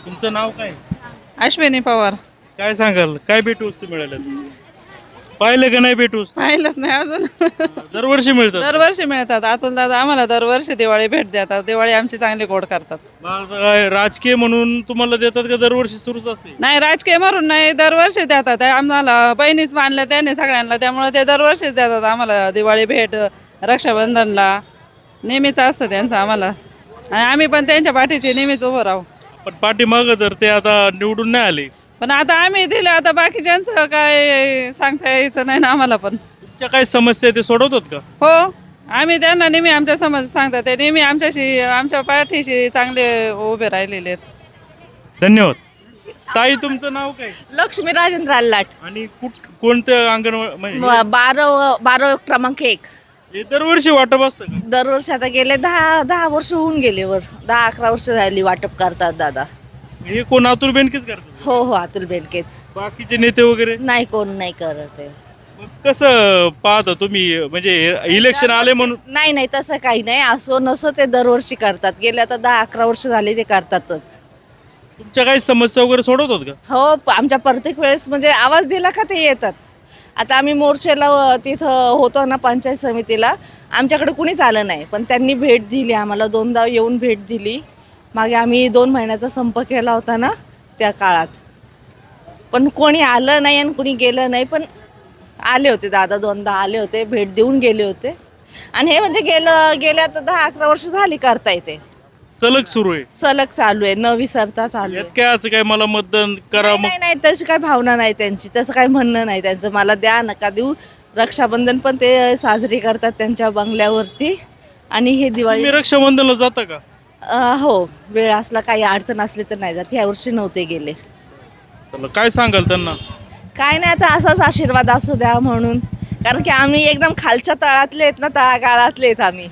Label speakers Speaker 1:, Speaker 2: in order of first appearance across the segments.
Speaker 1: तुमचं नाव काय?
Speaker 2: अश्विनी पवार.
Speaker 1: काय सांगाल, काय भेटवस्तू मिळाल्या? पाहिलं का नाही भेटवस्तू?
Speaker 2: पाहिलंच नाही अजून.
Speaker 1: दरवर्षी मिळतात.
Speaker 2: दरवर्षी मिळतात. अतुल दादा आम्हाला दरवर्षी दिवाळी भेट देतात. दिवाळी आमची चांगली गोड करतात.
Speaker 1: मग आता काय राजकीय म्हणून तुम्हाला देतात का दरवर्षी सुरूच असते?
Speaker 2: नाही, राजकीय मारून नाही, दरवर्षी देतात. आम्हाला बहिणीच मानल्या त्याने सगळ्यांना, त्यामुळे ते दरवर्षीच देतात आम्हाला दिवाळी भेट. रक्षाबंधनला नेहमीच असतं त्यांचं आम्हाला, आणि आम्ही पण त्यांच्या पाठीची नेहमीच उभं राहू.
Speaker 1: पण पाठीमागं तर ते आता निवडून नाही आले.
Speaker 2: पण आता आम्ही दिले, आता बाकीच्यांचं काय सांगता यायचं नाही ना आम्हाला. पण
Speaker 1: तुमच्या काय समस्या आहे ते सोडवतात का?
Speaker 2: हो, आम्ही त्यांना नेहमी आमच्या समस्या सांगतात. ते नेहमी आमच्या पाठीशी चांगले उभे राहिलेले आहेत.
Speaker 1: धन्यवाद. ताई, तुमचं नाव काय?
Speaker 3: लक्ष्मी राजेंद्र अल्लाट.
Speaker 1: आणि कोणतं अंगणवाडी?
Speaker 3: 12 क्रमांक 1.
Speaker 1: हे दरवर्षी वाटप असतं का?
Speaker 3: दरवर्षी आता गेले 10 वर्ष होऊन गेले, 10-11 वर्ष झाली वाटप करतात दादा.
Speaker 1: हे कोण, अतुल बेनकेच करतात?
Speaker 3: हो, अतुल बेनकेच.
Speaker 1: बाकीचे नेते वगैरे
Speaker 3: नाही, कोण नाही करत आहे.
Speaker 1: मग कसं पाहता तुम्ही, म्हणजे इलेक्शन आले म्हणून?
Speaker 3: नाही, तसं काही नाही. असो नसो ते दरवर्षी करतात. गेले आता 10-11 वर्ष झाली ते करतातच.
Speaker 1: तुमच्या काही समस्या वगैरे सोडवतात का?
Speaker 3: हो, आमच्या प्रत्येक वेळेस म्हणजे आवाज दिला का ते येतात. आता आम्ही मोर्चेला तिथं होतो ना पंचायत समितीला, आमच्याकडे कुणीच आलं नाही, पण त्यांनी भेट दिली आम्हाला. 2दा येऊन भेट दिली. मागे आम्ही 2 महिन्याचा संप केला होता ना त्या काळात, पण कोणी आलं नाही आणि कोणी गेलं नाही. पण आले होते दादा, 2दा आले होते, भेट देऊन गेले होते. आणि हे म्हणजे गेल्या आता 10-11 वर्ष झाली करता येते.
Speaker 1: सलग सुरू आहे,
Speaker 3: सलग चालू आहे, न विसरता चालू आहे.
Speaker 1: यात काय असं काय मला मतदान करा? मग
Speaker 3: नाही, तशी काही भावना नाही त्यांची, तसं काही म्हणणं नाही त्यांचं. मला द्या, नका देऊ. रक्षाबंधन पण ते साजरी करतात त्यांच्या बंगल्यावरती. आणि हे दिवाळी
Speaker 1: तुम्ही रक्षाबंधनला जाता का?
Speaker 3: हो, वेळ असला, काही अडचण असली तर नाही जात. ह्या वर्षी नव्हते गेले.
Speaker 1: चला, काय सांगाल त्यांना?
Speaker 3: काय नाही, आता असाच आशीर्वाद असू द्या म्हणून. कारण की आम्ही एकदम खालच्या तळातले आहेत ना, तळागाळातले आहेत आम्ही.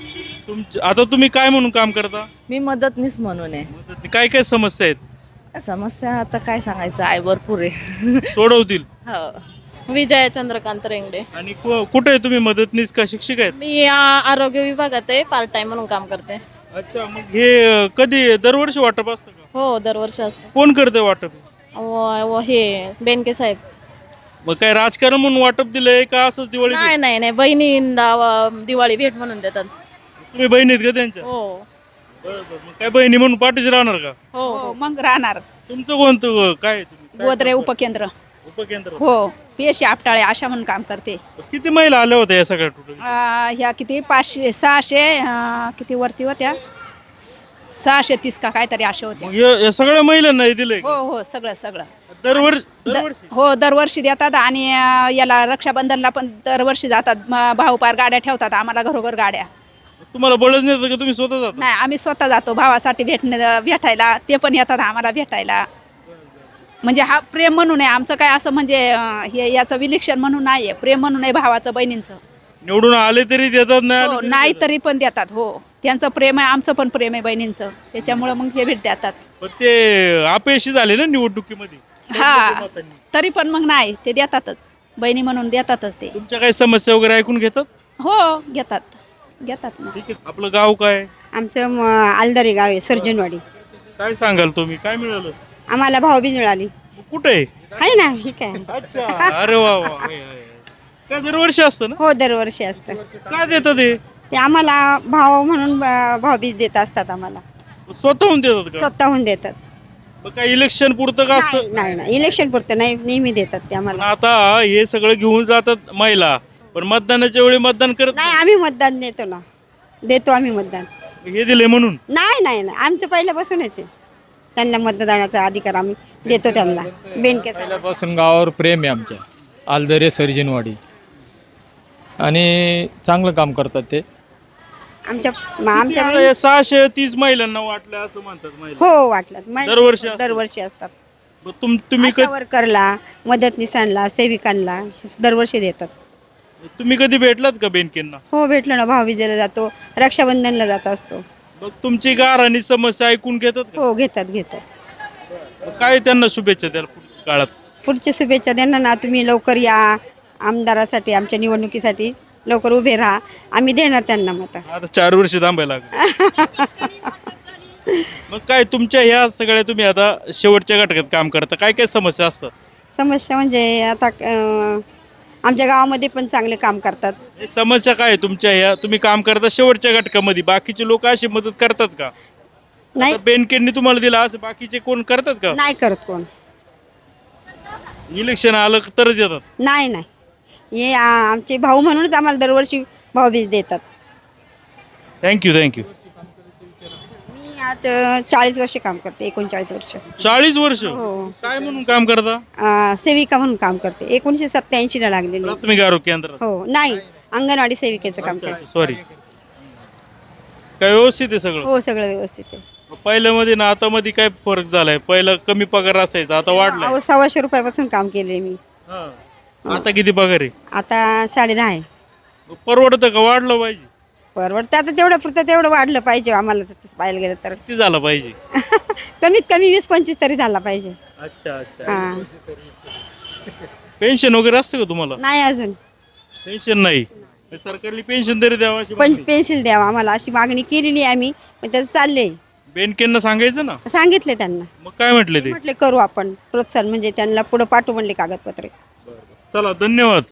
Speaker 1: आता तुम्ही काय म्हणून काम करता?
Speaker 3: मी मदतनीस म्हणून आहे.
Speaker 1: काय काय समस्या आहेत?
Speaker 3: समस्या आता काय सांगायचं आहे, भरपूर आहे.
Speaker 1: सोडवतील.
Speaker 3: हो.
Speaker 4: विजया चंद्रकांत रेंगडे.
Speaker 1: आणि कुठे आहे तुम्ही, मदतनीस का शिक्षक आहेत?
Speaker 4: मी आरोग्य विभागात आहे, पार्ट टाइम म्हणून काम करते.
Speaker 1: अच्छा, मग हे कधी दरवर्षी वाटप असतं का?
Speaker 4: हो, दरवर्षी असतं.
Speaker 1: कोण करते वाटप?
Speaker 4: हे बेनके साहेब.
Speaker 1: मग काय राजकारण म्हणून वाटप दिलंय का असंच दिवाळी?
Speaker 4: नाही, बहिणींना दिवाळी भेट म्हणून देतात.
Speaker 1: तुम्ही बहिणीत का त्यांच्या?
Speaker 4: हो.
Speaker 1: मग काय बहिणी म्हणून पाठीशी राहणार का?
Speaker 4: हो.
Speaker 2: मग राहणार.
Speaker 1: तुमचं कोणतं काय आहे? तुम्ही काय
Speaker 2: गोदरे
Speaker 1: करता?
Speaker 2: उपकेंद्र.
Speaker 1: उपकेंद्र.
Speaker 2: हो, पीएससी आपटाळे आशा म्हणून काम करते.
Speaker 1: किती महिला आल्या होत्या या सगळ्या टोटल?
Speaker 2: ह्या किती 500-600 किती वरती होत्या, 630 का काहीतरी अशा होत्या.
Speaker 1: मग या सगळ्या महिलांना हे दिलंय का?
Speaker 2: हो, सगळं.
Speaker 1: दरवर्षी
Speaker 2: हो, दरवर्षी देतात. आणि याला रक्षाबंधनला पण दरवर्षी जातात. भाऊ पार गाड्या ठेवतात आम्हाला, घरोघर गाड्या.
Speaker 1: तुम्हाला बळच नाही येत का? तुम्ही स्वतः जाता?
Speaker 2: नाही, आम्ही स्वतः जातो भावासाठी भेटायला. ते पण येतात आम्हाला भेटायला. म्हणजे हा प्रेम म्हणून आहे आमचं. काय असं म्हणजे हे याचं विलक्षण म्हणून नाही आहे, प्रेम म्हणून आहे भावाचं बहिणींचं.
Speaker 1: निवडून आले तरी देतात, नाही
Speaker 2: हो,
Speaker 1: आले तरी
Speaker 2: नाही
Speaker 1: देतात.
Speaker 2: तरी पण देतात. हो, त्यांचं प्रेम आहे, आमचं पण प्रेम आहे बहिणींचं, त्याच्यामुळं मग हे भेट देतात.
Speaker 1: पण ते अपयशी झाले ना निवडणुकीमध्ये.
Speaker 2: हा, तरी पण मग नाही, ते देतातच. बहिणी म्हणून देतातच ते.
Speaker 1: तुमच्या काही समस्या वगैरे ऐकून घेतात?
Speaker 2: हो, घेतात ना.
Speaker 1: ठीक आहे. आपलं गाव काय?
Speaker 5: आमचं आलदारी गाव आहे, सर्जनवाडी.
Speaker 1: काय सांगाल तुम्ही, काय मिळालं?
Speaker 5: आम्हाला भाऊबीज मिळाली.
Speaker 1: कुठे आहे?
Speaker 5: आहे ना, ठीक आहे.
Speaker 1: अच्छा, अरे वा वा. काय दरवर्षी असतं ना?
Speaker 5: हो, दरवर्षी असतं.
Speaker 1: काय देतात
Speaker 5: ते आम्हाला भाऊ म्हणून भाऊबीज देत असतात आम्हाला.
Speaker 1: स्वतःहून देतात का?
Speaker 5: स्वतःहून देतात.
Speaker 1: मग काय इलेक्शन पुरतं का असतं?
Speaker 5: नाही, इलेक्शन पुरतं नाही, नेहमी देतात ते
Speaker 1: पण
Speaker 5: आम्हाला.
Speaker 1: आता हे सगळं घेऊन जातात महिला, पण मतदानाच्या वेळी मतदान करत
Speaker 5: नाही, आम्ही मतदान देतो आम्ही मतदान.
Speaker 1: नाही. हे दिले म्हणून?
Speaker 5: नाही, आमचं पहिल्यापासूनच आहे. त्यांना मतदानाचा अधिकार आम्ही देतो त्यांना. बेनके
Speaker 6: पहिल्यापासून गावावर प्रेम आहे आमच्या. आलदरे सर्जनवाडी, आणि चांगलं काम करतात ते.
Speaker 5: आमच्या
Speaker 1: हे 630 महिलांना वाटलं असं म्हणतात महिला.
Speaker 5: हो, वाटलं.
Speaker 1: दरवर्षी
Speaker 5: असतात.
Speaker 1: मग तुम्ही
Speaker 5: आशा वर्करला, मदतनीसांना, सेविकांना दरवर्षी देतात.
Speaker 1: तुम्ही कधी भेटलात का बेनकेंना?
Speaker 5: हो, भेटलो ना. भाऊबीजेला जातो, रक्षाबंधनला जात असतो.
Speaker 1: मग तुमची गार आणि समस्या ऐकून घेतात का?
Speaker 5: हो, घेतात.
Speaker 1: मग काय त्यांना शुभेच्छा द्याल पुढच्या काळात?
Speaker 5: पुढच्या शुभेच्छा त्यांना ना, तुम्ही लवकर या आमदारासाठी, आमच्या निवडणुकीसाठी लवकर उभे राहा. आम्ही देणार त्यांना मत.
Speaker 1: आता 4 वर्ष थांबायला लागलं. मग काय तुमच्या ह्या सगळ्या तुम्ही आता शेवटच्या घटकात काम करता, काय काय समस्या असतात?
Speaker 5: समस्या म्हणजे आता आमच्या गावामध्ये पण चांगले काम करतात.
Speaker 1: हे समस्या काय आहे तुमच्या ह्या, तुम्ही काम करता शेवटच्या घटकामध्ये, बाकीचे लोक अशी मदत करतात का?
Speaker 5: नाही
Speaker 1: आता बेनकेंनी तुम्हाला दिला असं बाकीचे कोण करतात का?
Speaker 5: नाही करत कोण.
Speaker 1: इलेक्शन आलं तरच येतात.
Speaker 5: नाही नाही हे आमचे भाऊ म्हणूनच आम्हाला दरवर्षी भाऊबीज देतात.
Speaker 1: Thank you thank you.
Speaker 5: मी आता 40 वर्ष काम करते, 39 वर्ष.
Speaker 1: 40 वर्ष
Speaker 5: हो.
Speaker 1: काय म्हणून काम करता?
Speaker 5: सेविका म्हणून काम करते. 1987ला लागलेली.
Speaker 1: प्राथमिक आरोग्य केंद्रात.
Speaker 5: हो नाही अंगणवाडी सेविकेचं काम करते.
Speaker 1: सॉरी. काय व्यवस्थित आहे सगळं?
Speaker 5: हो सगळं व्यवस्थित आहे.
Speaker 1: पहिल्यामध्ये ना आता मध्ये काय फरक झालाय? पहिलं कमी पगार असायचा, आता वाढलाय.
Speaker 5: अहो 100 रुपयापासून काम केले मी.
Speaker 1: हा. आता किती पगार आहे?
Speaker 5: आता 10.5 आहे.
Speaker 1: परवडतं का वाढलं पाहिजे?
Speaker 5: परवडतं आता तेवढं पुरतं तेवढं वाढलं पाहिजे आम्हाला तसं पाहायला गेलं तर.
Speaker 1: किती झालं पाहिजे?
Speaker 5: कमीत कमी 20-25 तरी झाला पाहिजे.
Speaker 1: अच्छा अच्छा.
Speaker 5: हां
Speaker 1: पेन्शन वगैरे असतं का तुम्हाला?
Speaker 5: नाही अजून
Speaker 1: पेन्शन नाही. सरकारने पेन्शन तरी द्यावं अशी
Speaker 5: पण
Speaker 1: मागणी.
Speaker 5: पेन्सिल द्यावा आम्हाला अशी मागणी केलेली आहे आम्ही, पण त्याचं चाललंय.
Speaker 1: बेनकेंना सांगायचं ना.
Speaker 5: सांगितले त्यांना.
Speaker 1: मग काय म्हटले ते?
Speaker 5: म्हटले करू आपण प्रोत्साहन म्हणजे त्यांना पुढे पाठवू म्हणले कागदपत्रे.
Speaker 1: चला धन्यवाद.